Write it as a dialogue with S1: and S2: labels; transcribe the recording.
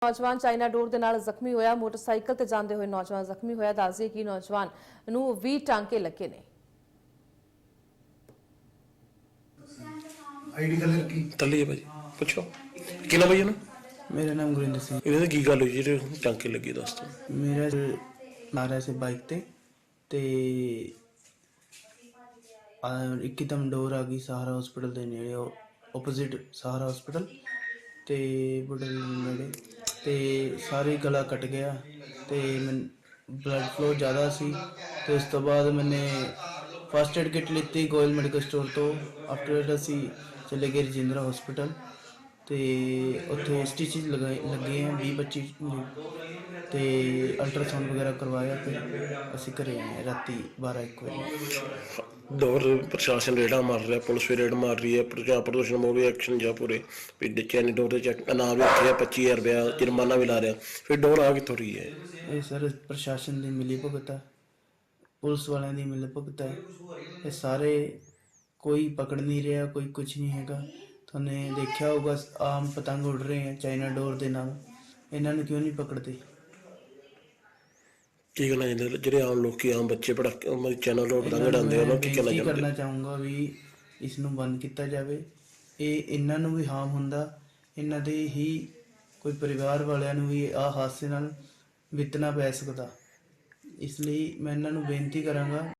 S1: ਨੌਜਵਾਨ ਚਾਈਨਾ ਡੋਰ ਦੇ ਨਾਲ ਜ਼ਖਮੀ ਹੋਇਆ। ਮੋਟਰਸਾਈਕਲ ਤੇ ਜਾਂਦੇ ਹੋਏ ਨੌਜਵਾਨ ਜ਼ਖਮੀ ਹੋਇਆ। ਦੱਸਦੇ ਕਿ ਨੌਜਵਾਨ ਨੂੰ 20 ਟਾਂਕੇ ਲੱਗੇ ਨੇ।
S2: ਆਈਡੀ ਕਲਰ की
S3: तली है भाजी पूछो कि नाम भाई ना
S4: मेरा नाम गुरिंदर सिंह।
S3: इन्हें की गल हुई जी टांके लगी दस तो
S4: मेरा मारा से बाइक ते एकदम डोर आ गई सहारा हॉस्पिटल के नेड़े ओपोजिट सहारा हॉस्पिटल ते बुढ़ल नेड़े ते सारी गला कट गया ते ब्लड फ्लो ज़्यादा सी ते उस तो बाद मैंने फस्ट एड किट लीती गोयल मैडिकल स्टोर तो आफ्टर असी चले गए रजिंद्रा हॉस्पिटल तो उत्थे स्टिचेज लगे हैं 20-25 तो अल्ट्रासाउंड वगैरह करवाया फिर असी घरे आए राती 12-1 बजे।
S3: दौर प्रशासन रेडा मार रहा है, पुलिस भी रेड मार रही है, प्रदूषण मोड़ भी एक्शन जा पूरे चैनी डोर इनाम भी रखे 25,000 रुपया जुर्माना भी ला रहा फिर डोर आ कितों रही है।
S4: ये सर प्रशासन की मिली भुगत है, पुलिस वालों की मिली भुगत है, ये सारे कोई पकड़ नहीं रहा, कोई कुछ नहीं हैगा। तुमने देखा होगा आम पतंग उड़ रहे हैं चाइना डोर के नाम, इन्होंने क्यों नहीं पकड़ते।
S3: की कहना चाहते जो आम लोग आम बच्चे पटाखे चाइना डोर पतंग उड़ाते हैं की कहना
S4: करना चाहूँगा भी इसनों बंद किया जाए। ये इन्हों भी हार्म होंदा, इन्हों दे ही कोई परिवार वालों भी आ हादसे नाल वितना पै सकता, इसलिए मैं इन्हों बेनती करांगा